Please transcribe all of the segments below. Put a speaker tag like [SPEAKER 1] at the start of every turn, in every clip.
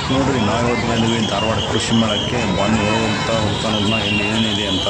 [SPEAKER 1] ನೋಡ್ರಿ ನಾವಿವತ್ತು ಬಂದ್ವಿ ಧಾರವಾಡ ಕೃಷಿ ಮೇಳಕ್ಕೆ ಬಂದು ಹೋಗ್ತಾನೋದ್ನ ಇಲ್ಲಿ ಏನಿದೆ ಅಂತ.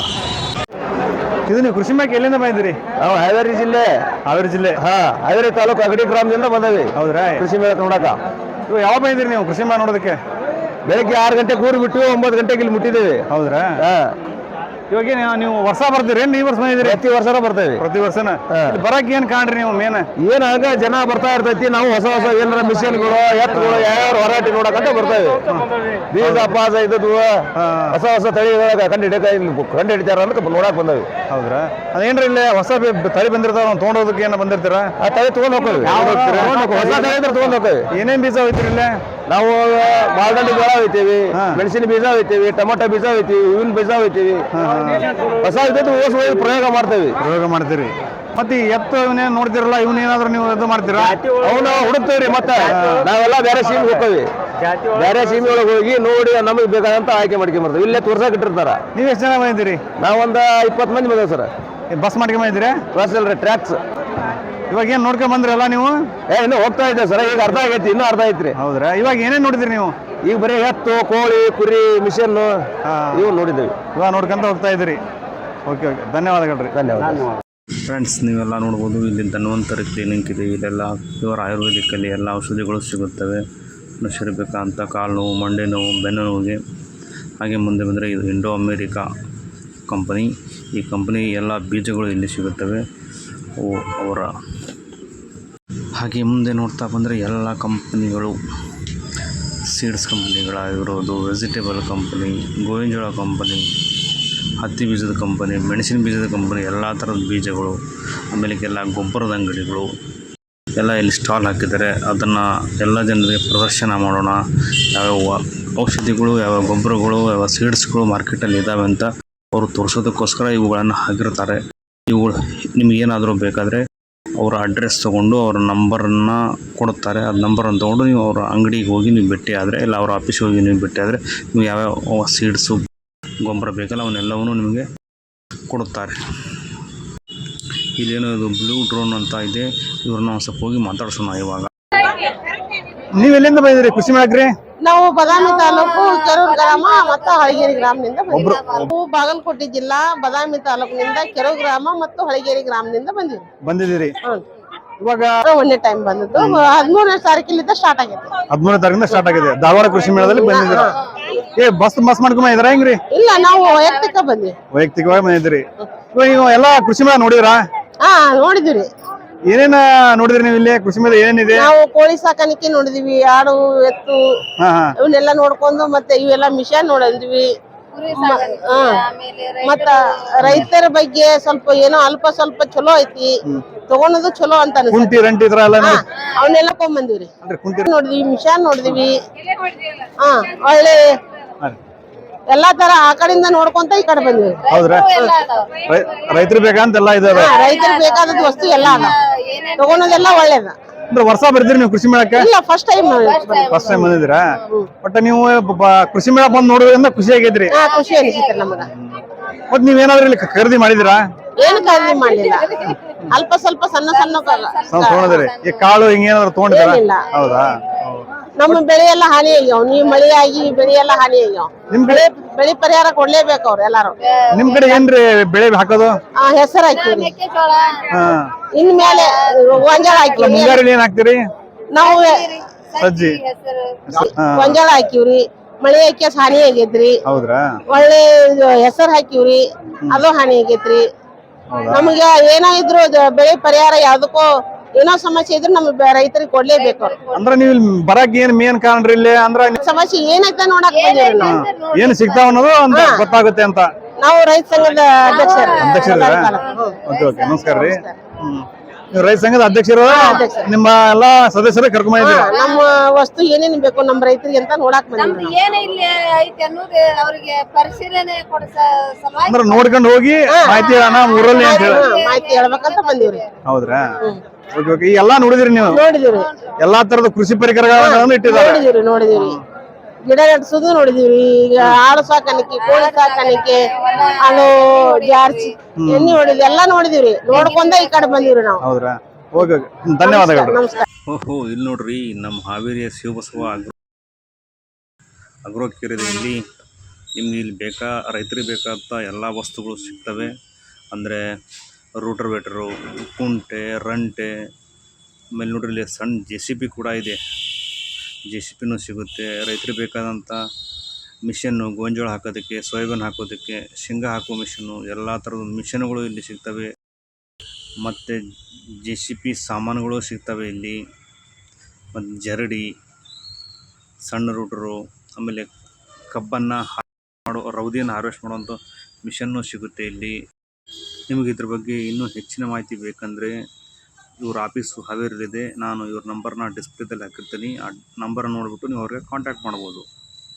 [SPEAKER 2] ಇದು ನೀವು ಕೃಷಿ ಮೇಳಕ್ಕೆ ಎಲ್ಲಿಂದ ಬಂದಿರಿ?
[SPEAKER 3] ನಾವು ಹಾವೇರಿ ಜಿಲ್ಲೆ.
[SPEAKER 2] ಹಾವೇರಿ ಜಿಲ್ಲೆ?
[SPEAKER 3] ಹಾವೇರಿ ತಾಲೂಕು ಅಗಡಿ ಗ್ರಾಮದಿಂದ ಬಂದವಿ.
[SPEAKER 2] ಹೌದ್ರಾ?
[SPEAKER 3] ಕೃಷಿ ಮೇಳಕ್ಕೆ ನೋಡಕ.
[SPEAKER 2] ಇವಾಗ ಯಾವಾಗ ಬಂದಿರಿ ನೀವು ಕೃಷಿ ಮೇಳ ನೋಡೋದಕ್ಕೆ?
[SPEAKER 3] ಬೆಳಗ್ಗೆ 6 ಗಂಟೆಗೆ ಊರು ಬಿಟ್ಟು 9 ಗಂಟೆಗೆ ಇಲ್ಲಿ ಮುಟ್ಟಿದ್ದೇವೆ.
[SPEAKER 2] ಹೌದ್ರಾ? ಇವಾಗ ನೀವು ವರ್ಷ ಬರ್ತೀರಿ? ಈ ವರ್ಷ ಬಂದಿದ್ರಿ?
[SPEAKER 3] ಪ್ರತಿ ವರ್ಷನೂ ಬರ್ತೇವೆ.
[SPEAKER 2] ಪ್ರತಿ ವರ್ಷನ ಬರಕ್ ಏನ್ ಕಾಣ್ರಿ ನೀವು ಮೇನ್?
[SPEAKER 3] ಏನಾಗ ಜನ ಬರ್ತಾ ಇರ್ತೈತಿ. ನಾವು ಹೊಸ ಏನಾರ ಮಿಷನ್ಗಳು ಎತ್ತುಗಳು ಯಾವ ಹೊರಾಟಿ ನೋಡಕಂತ ಬರ್ತೇವೆ. ಬೀಜ ಪಾಸ ಇದ್ದದ್ದು ಹೊಸ ತಳಿಗಳ ಕಂಡು ಹಿಡಿತಾರ ಅಂತ ನೋಡಕ್ ಬಂದವಿ.
[SPEAKER 2] ಹೌದ್ರಾ? ಅದೇನ್ರಿ ಇಲ್ಲಿ ಹೊಸ ತಳಿ ಬಂದಿರ್ತಾವ ತೊಗೊಂಡೋದಕ್ಕೆ ಏನ ಬಂದಿರ್ತೀರ?
[SPEAKER 3] ಆ ತಳಿ ತಗೊಂಡ್ ಹೋಗ್ತೇವೆ. ಹೊಸ ತಳಿ ಇದ್ರೆ ತಗೊಂಡ್ ಹೋಗ್ತೇವೆ.
[SPEAKER 2] ಏನೇನ್ ಬೀಜ ಹೋಯ್ತಿರಿ ಇಲ್ಲಿ?
[SPEAKER 3] ನಾವು ಬಾಲ್ದಂಡಿ ಬೀಜ ಹೋಯ್ತೀವಿ, ಮೆಣಸಿನ ಬೀಜ ಹೋಯ್ತೀವಿ, ಟೊಮೊಟೊ ಬೀಜ ಹೋಯ್ತೀವಿ, ಹೂವಿನ ಬೀಜ ಹೋಯ್ತೀವಿ. ಹೊಸ ಇದ್ದದ್ದು ಪ್ರಯೋಗ
[SPEAKER 2] ಮಾಡ್ತೀರಿ. ಮತ್ತೆ ಎತ್ತು ಇವನೇನ್ ನೋಡ್ತಿರಲ್ಲ, ಇವನೇನಾದ್ರೂ ನೀವು ಇದು ಮಾಡ್ತೀರಾ?
[SPEAKER 3] ಅವನ್ನ ಹುಡುಕ್ತೇವ್ರಿ. ಮತ್ತೆ ನಾವೆಲ್ಲ ಬೇರೆ ಸೀಮೆ ಹೋಗ್ತೇವೆ. ಬೇರೆ ಸೀಮೆ ಒಳಗೆ ಹೋಗಿ ನೋಡಿ ನಮಗೆ ಬೇಕಾದಂತ ಆಯ್ಕೆ ಮಾಡ್ಕೊಂಡ್ ಬರ್ತೇವೆ. ಇಲ್ಲೇ ತೋರ್ಸಕ್ ಇಟ್ಟಿರ್ತಾರ.
[SPEAKER 2] ನೀವ್ ಎಷ್ಟು ಜನ ಬಂದಿದ್ದೀರಿ?
[SPEAKER 3] ನಾವೊಂದು 20 ಮಂದಿ ಬಂದೇವೆ ಸರ್.
[SPEAKER 2] ಬಸ್ ಮಾಡ್ಕೊಂಡ್ ಬಂದಿದ್ದೀರಿ?
[SPEAKER 3] ಬಸ್ ಅಲ್ರಿ, ಟ್ರ್ಯಾಕ್ಸ್.
[SPEAKER 2] ಇವಾಗ ಏನ್ ನೋಡ್ಕೊಂಡ್ ಬಂದ್ರಲ್ಲ ನೀವು?
[SPEAKER 3] ಇನ್ನು ಹೋಗ್ತಾ ಇದ್ದೇವೆ ಸರ್. ಈಗ ಅರ್ಧ ಆಗೈತಿ, ಇನ್ನೂ ಅರ್ಧ ಐತ್ರಿ.
[SPEAKER 2] ಹೌದ್ರಾ? ಇವಾಗ ಏನೇನ್ ನೋಡಿದ್ರಿ ನೀವು?
[SPEAKER 3] ಈಗ ಬರೀ ಎತ್ತು, ಕೋಳಿ, ಕುರಿ, ಮಿಷನ್ ಇವು ನೋಡಿದ್ದೇವೆ.
[SPEAKER 2] ಇವಾಗ ನೋಡ್ಕೊಂತ ಹೋಗ್ತಾ ಇದ್ದೀರಿ. ಓಕೆ, ಧನ್ಯವಾದಗಳು.
[SPEAKER 3] ಧನ್ಯವಾದ.
[SPEAKER 1] ಫ್ರೆಂಡ್ಸ್, ನೀವೆಲ್ಲ ನೋಡ್ಬೋದು ಇಲ್ಲಿ ಧನ್ವಂತರಿ ಕ್ಲಿನಿಕ್ ಇದೆ. ಇಲ್ಲೆಲ್ಲ ಪ್ಯೂರ್ ಆಯುರ್ವೇದಿಕಲ್ಲಿ ಎಲ್ಲ ಔಷಧಿಗಳು ಸಿಗುತ್ತವೆ. ಮನುಷ್ಯರು ಬೇಕಾದಂಥ ಕಾಲು ನೋವು, ಮಂಡೆ ನೋವು, ಬೆನ್ನು ನೋವಿಗೆ. ಹಾಗೆ ಮುಂದೆ ಬಂದರೆ ಇದು ಇಂಡೋ ಅಮೇರಿಕಾ ಕಂಪನಿ. ಈ ಕಂಪನಿ ಎಲ್ಲ ಬೀಜಗಳು ಇಲ್ಲಿ ಸಿಗುತ್ತವೆ ಅವರ. ಹಾಗೆ ಮುಂದೆ ನೋಡ್ತಾ ಬಂದರೆ ಎಲ್ಲ ಕಂಪನಿಗಳು ಸೀಡ್ಸ್ ಕಂಪನಿಗಳಾಗಿರೋದು, ವೆಜಿಟೇಬಲ್ ಕಂಪನಿ, ಗೋವಿನ ಜೋಳ ಕಂಪನಿ, ಹತ್ತಿ ಬೀಜದ ಕಂಪನಿ, ಮೆಣಸಿನ ಬೀಜದ ಕಂಪನಿ, ಎಲ್ಲ ಥರದ ಬೀಜಗಳು, ಆಮೇಲೆಲ್ಲ ಗೊಬ್ಬರದ ಅಂಗಡಿಗಳು ಎಲ್ಲ ಇಲ್ಲಿ ಸ್ಟಾಲ್ ಹಾಕಿದ್ದಾರೆ. ಅದನ್ನು ಎಲ್ಲ ಜನರಿಗೆ ಪ್ರದರ್ಶನ ಮಾಡೋಣ. ಯಾವ್ಯಾವ ಔಷಧಿಗಳು, ಯಾವ ಗೊಬ್ಬರಗಳು, ಯಾವ ಸೀಡ್ಸ್ಗಳು ಮಾರ್ಕೆಟಲ್ಲಿ ಇದ್ದಾವೆ ಅಂತ ಅವರು ತೋರಿಸೋದಕ್ಕೋಸ್ಕರ ಇವುಗಳನ್ನು ಹಾಕಿರ್ತಾರೆ. ಇವುಗಳು ನಿಮಗೇನಾದರೂ ಬೇಕಾದರೆ ಅವರ ಅಡ್ರೆಸ್ ತೊಗೊಂಡು ಅವರ ನಂಬರನ್ನು ಕೊಡುತ್ತಾರೆ. ಅದು ನಂಬರನ್ನು ತೊಗೊಂಡು ನೀವು ಅವರ ಅಂಗಡಿಗೆ ಹೋಗಿ ನೀವು ಭೇಟಿ ಆದರೆ, ಇಲ್ಲ ಅವರ ಆಫೀಸ್ಗೆ ಹೋಗಿ ನೀವು ಭೇಟಿ ಆದರೆ, ನೀವು ಯಾವ್ಯಾವ ಸೀಡ್ಸು ಗೊಬ್ಬರ ಬೇಕಲ್ಲ ಅವನ್ನೆಲ್ಲವನ್ನೂ ನಿಮಗೆ ಕೊಡುತ್ತಾರೆ. ಇಲ್ಲೇನೋ ಇದು ಬ್ಲೂ ಡ್ರೋನ್ ಅಂತ ಇದೆ. ಇವ್ರನ್ನ ಒಂದು ಸ್ವಲ್ಪ ಹೋಗಿ ಮಾತಾಡ್ಸೋಣ ಇವಾಗ.
[SPEAKER 2] ನೀವು ಎಲ್ಲಿಂದ ಬಂದಿದ್ದೀರಿ ಕೃಷಿ ಮೇಳಕ್ಕೆ?
[SPEAKER 4] ನಾವು ಬಾದಾಮಿ ತಾಲೂಕು ಕೆರೂರು ಗ್ರಾಮ ಮತ್ತು ಹಳಗೇರಿ ಗ್ರಾಮದಿಂದ ಬಂದಿದ್ದೀವಿ. ಬಾಗಲಕೋಟೆ ಜಿಲ್ಲಾ ಬಾದಾಮಿ ತಾಲೂಕಿನಿಂದ ಕೆರೂರು ಗ್ರಾಮ ಮತ್ತು ಹಳಗೇರಿ ಗ್ರಾಮದಿಂದ
[SPEAKER 2] ಬಂದಿದ್ದೀರಿ. ಇವಾಗ
[SPEAKER 4] ಒಂದೇ ಟೈಮ್ ಬಂದದ್ದು 13ನೇ ತಾರೀಕಿನಿಂದ ಸ್ಟಾರ್ಟ್ ಆಗಿದೆ.
[SPEAKER 2] 13ನೇ ತಾರೀಕಿಂದ ಸ್ಟಾರ್ಟ್ ಆಗಿದೆ. ಧಾರವಾಡ ಕೃಷಿ ಮೇಳದಲ್ಲಿ ಬಂದಿದ್ದೀರಾ? ಬಸ್ ಮಾಡ್ಕೊಂಡ್ ಬಂದಿದ್ದೀರಾ ಹೆಂಗ್ರಿ?
[SPEAKER 4] ಇಲ್ಲ, ನಾವು ವೈಯಕ್ತಿಕವಾಗಿ
[SPEAKER 2] ಬಂದಿದ್ದೀರಿ. ಇವಾಗ ನೀವು ಎಲ್ಲ ಕೃಷಿ ಮೇಳ ನೋಡಿದ್ರಾ?
[SPEAKER 4] ನೋಡಿದಿರಿ.
[SPEAKER 2] ಏನೇನ ನೋಡಿದ್ರಿ ನೀವು ಇಲ್ಲಿ ಕೃಷಿ ಮೇಳ? ಏನಿದೆ?
[SPEAKER 4] ನಾವು ಕೋಳಿ ಸಾಕಾಣಿಕೆ ನೋಡಿದಿವಿ, ಆಡು, ಎತ್ತು ಇವನ್ನೆಲ್ಲ ನೋಡ್ಕೊಂಡು, ಮತ್ತೆ ಇವೆಲ್ಲ ಮಿಷನ್ ನೋಡಿದ್ವಿ. ಮತ್ತ ರೈತರ ಬಗ್ಗೆ ಸ್ವಲ್ಪ ಏನೋ ಅಲ್ಪ ಸ್ವಲ್ಪ ಚಲೋ ಐತಿ, ತಗೊಳೋದು ಚಲೋ ಅಂತ ಅವನ್ನೆಲ್ಲ ಕೊಂಡ್ಬಂದಿವ್ರಿ. ನೋಡಿದ್ವಿ, ಮಿಷನ್ ನೋಡಿದ್ವಿ. ಒಳ್ಳೆ ಎಲ್ಲಾ ತರ ಆ ಕಡೆಯಿಂದ ನೋಡ್ಕೊಂತ ಈ ಕಡೆ ಬಂದ್ವಿ.
[SPEAKER 2] ಹೌದ್ರಾ? ರೈತರು ಬೇಕಂತೆಲ್ಲ ಇದಾವೆ.
[SPEAKER 4] ರೈತರಿಗೆ ಬೇಕಾದದ್ದು ವಸ್ತು ಎಲ್ಲ ಅದ, ತಗೊಳೋದೆಲ್ಲ ಒಳ್ಳೇದ.
[SPEAKER 2] ವರ್ಷ ಬರ್ತೀರಿ ನೀವು ಕೃಷಿ ಮೇಳಕ್ಕೆ?
[SPEAKER 4] ಇಲ್ಲ, ಫಸ್ಟ್ ಟೈಮ್
[SPEAKER 2] ಬಂದಿದ್ದೀರಾ? ಬಟ್ ನೀವು ಕೃಷಿ ಮೇಳ ಬಂದು ನೋಡೋದ್ರಿಂದ ಖುಷಿ ಆಗೈತ್ರಿ?
[SPEAKER 4] ಖುಷಿ ಅನಿಸಿತ್ರಿ ನಮಗ.
[SPEAKER 2] ಮತ್ ನೀವೇನಾದ್ರೂ ಇಲ್ಲಿ ಖರೀದಿ ಮಾಡಿದಿರಾ?
[SPEAKER 4] ಏನು ಖರೀದಿ ಮಾಡ್ಲಿಲ್ಲ, ಅಲ್ಪ ಸ್ವಲ್ಪ ಸಣ್ಣ
[SPEAKER 2] ತಗೊಂಡಿದ್ರಿ. ಈ ಕಾಳು ಹಿಂಗೇನಾದ್ರು ತಗೊಂಡಿದ್ದೀರಾ? ಹೌದಾ?
[SPEAKER 4] ನಮ್ಮ ಬೆಳೆ ಎಲ್ಲ ಹಾನಿ ಆಗ್ಯಾವ. ನೀವು ಮಳೆ ಆಗಿ ಬೆಳೆ ಎಲ್ಲ ಹಾನಿ ಆಗ್ಯಾವ. ಬೆಳೆ ಪರಿಹಾರ ಕೊಡ್ಲೇಬೇಕು ಅವ್ರು ಎಲ್ಲಾರು.
[SPEAKER 2] ನಿಮ್ ಕಡೆ ಏನ್ರಿ ಬೆಳೆ ಹಾಕೋದು?
[SPEAKER 4] ಹೆಸರು ಹಾಕಿವಿ, ಇನ್ಮೇಲೆ ಗೊಂಜಾಳ ಹಾಕಿವಿ.
[SPEAKER 2] ಮುಂಗಾರಿ ಏನ್ ಹಾಕ್ತಿರಿ?
[SPEAKER 4] ನಾವು
[SPEAKER 2] ಸಜ್ಜಿ,
[SPEAKER 4] ಗೊಂಜಾಳ ಹಾಕಿವ್ರಿ. ಮಳೆ ಹಾಕಿ ಹಾನಿ ಆಗೇತ್ರಿ.
[SPEAKER 2] ಹೌದ್ರಾ?
[SPEAKER 4] ಒಳ್ಳೆ ಹೆಸರು ಹಾಕಿವ್ರಿ, ಅದು ಹಾನಿ ಆಗೇತ್ರಿ. ನಮ್ಗ ಏನೋ ಇದ್ರು ಬೆಳೆ ಪರಿಹಾರ ಯಾವ್ದಕ್ಕೋ ಏನೋ ಸಮಸ್ಯೆ ಇದ್ರೆ ನಮ್ಗೆ ರೈತರಿಗೆ ಕೊಡ್ಲೇಬೇಕು.
[SPEAKER 2] ಅಂದ್ರೆ ನೀವು ಬರಕ್ ಏನ್ ಮೇನ್ ಕಾರಣ ಇಲ್ಲಿ? ಅಂದ್ರೆ
[SPEAKER 4] ಸಮಸ್ಯೆ ಏನೈತೆ ನೋಡಕ್ ಬಂದಿವ್ರಿ ನಾವು.
[SPEAKER 2] ಏನ್ ಸಿಗ್ತಾವ ಅನ್ನೋದು ಅಂತ ಗೊತ್ತಾಗುತ್ತೆ ಅಂತ.
[SPEAKER 4] ನಾವು ರೈತ ಸಂಘದ ಅಧ್ಯಕ್ಷರು.
[SPEAKER 2] ನಮಸ್ಕಾರ ರೀ. ನೀವು ರೈತ ಸಂಘದ ಅಧ್ಯಕ್ಷರು? ನಿಮ್ಮ ಎಲ್ಲಾ ಸದಸ್ಯರು ಕರ್ಕೊಂಡ್ ಬಂದಿದ್ದೀರಾ?
[SPEAKER 4] ನಮ್ಮ ವಸ್ತು ಏನೇನ್ ಬೇಕು ನಮ್ಮ ರೈತರಿಗೆ ಅಂತ ನೋಡಕ್ ಬಂದಿದ್ದೀವಿ.
[SPEAKER 2] ಅಂದ್ರೆ ನೋಡ್ಕೊಂಡು ಹೋಗಿ ಮಾಹಿತಿ ಊರಲ್ಲಿ
[SPEAKER 4] ಮಾಹಿತಿ ಹೇಳ್ಬೇಕಂತ ಬಂದಿವ್ರಿ.
[SPEAKER 2] ಹೌದ್ರಾ? ಈ ಎಲ್ಲಾ ನೋಡಿದ್ರಿ ನೀವು?
[SPEAKER 4] ನೋಡಿದಿವ್ರಿ.
[SPEAKER 2] ಎಲ್ಲಾ ತರದ ಕೃಷಿ ಪರಿಕರಗಳನ್ನು ಇಟ್ಟಿದ್ದಾರೆ?
[SPEAKER 4] ನೋಡಿದಿವ್ರಿ. ಗಿಡ ನೆಡ್ಸೋದು ನೋಡಿದಿವ್ರಿ. ಈಗ ಆಡು ಸಾಕಾಣಿಕೆ, ಕೋಳಿ ಸಾಕಾಣಿಕೆ, ಅದು ಜಾರ್ಸಿ ಎಣ್ಣೆ ಹೊಡಿದ್ವಿ, ಎಲ್ಲಾ ನೋಡಿದಿವ್ರಿ. ನೋಡ್ಕೊಂಡ ಈ ಕಡೆ ಬಂದಿವ್ರಿ ನಾವು.
[SPEAKER 2] ಹೌದ್ರಾ? ಓಕೆ, ಧನ್ಯವಾದಗಳು.
[SPEAKER 4] ನಮಸ್ಕಾರ.
[SPEAKER 1] ಓಹೋ, ಇಲ್ಲಿ ನೋಡ್ರಿ ನಮ್ಮ ಹಾವೇರಿಯ ಶಿವಬಸವ ಅಗ್ರೋ ಕೇರ್ ಇದೆ. ಇಲ್ಲಿ ನಿಮ್ಗೆ ಇಲ್ಲಿ ರೈತರಿಗೆ ಬೇಕಾದಂಥ ಎಲ್ಲ ವಸ್ತುಗಳು ಸಿಗ್ತವೆ. ಅಂದರೆ ರೂಟರ್ವೇಟರು, ಕುಂಟೆ, ರಂಟೆ, ಆಮೇಲೆ ನೋಡ್ರಿ ಇಲ್ಲಿ ಸಣ್ಣ JCB ಕೂಡ ಇದೆ. JCBನೂ ಸಿಗುತ್ತೆ. ರೈತರಿಗೆ ಬೇಕಾದಂಥ ಮಿಷನ್ನು, ಗೋಂಜಾಳ ಹಾಕೋದಕ್ಕೆ, ಸೋಯಾಬೀನ್ ಹಾಕೋದಕ್ಕೆ, ಶೇಂಗಾ ಹಾಕೋ ಮಿಷನ್ನು, ಎಲ್ಲ ಥರದ ಮಿಷನ್ಗಳು ಇಲ್ಲಿ ಸಿಗ್ತವೆ. ಮತ್ತು JCB ಸಾಮಾನುಗಳು ಸಿಗ್ತವೆ ಇಲ್ಲಿ. ಮತ್ತು ಜರಡಿ, ಸಣ್ಣ ರೂಟರು, ಆಮೇಲೆ ಕಬ್ಬನ್ನು ರೌದಿಯನ್ನು ಹಾರ್ವೆಸ್ಟ್ ಮಾಡುವಂಥ ಮಿಷನ್ನು ಸಿಗುತ್ತೆ ಇಲ್ಲಿ. ನಿಮಗೆ ಇದ್ರ ಬಗ್ಗೆ ಇನ್ನೂ ಹೆಚ್ಚಿನ ಮಾಹಿತಿ ಬೇಕಂದರೆ ಇವ್ರ ಆಫೀಸು ಹಾವೇರಿಯಲ್ಲಿದೆ. ನಾನು ಇವ್ರ ನಂಬರ್ನ ಡಿಸ್ಪ್ಲೇದಲ್ಲಿ ಹಾಕಿರ್ತೀನಿ. ಆ ನಂಬರನ್ನು ನೋಡಿಬಿಟ್ಟು ನೀವು ಅವ್ರಿಗೆ ಕಾಂಟ್ಯಾಕ್ಟ್ ಮಾಡ್ಬೋದು.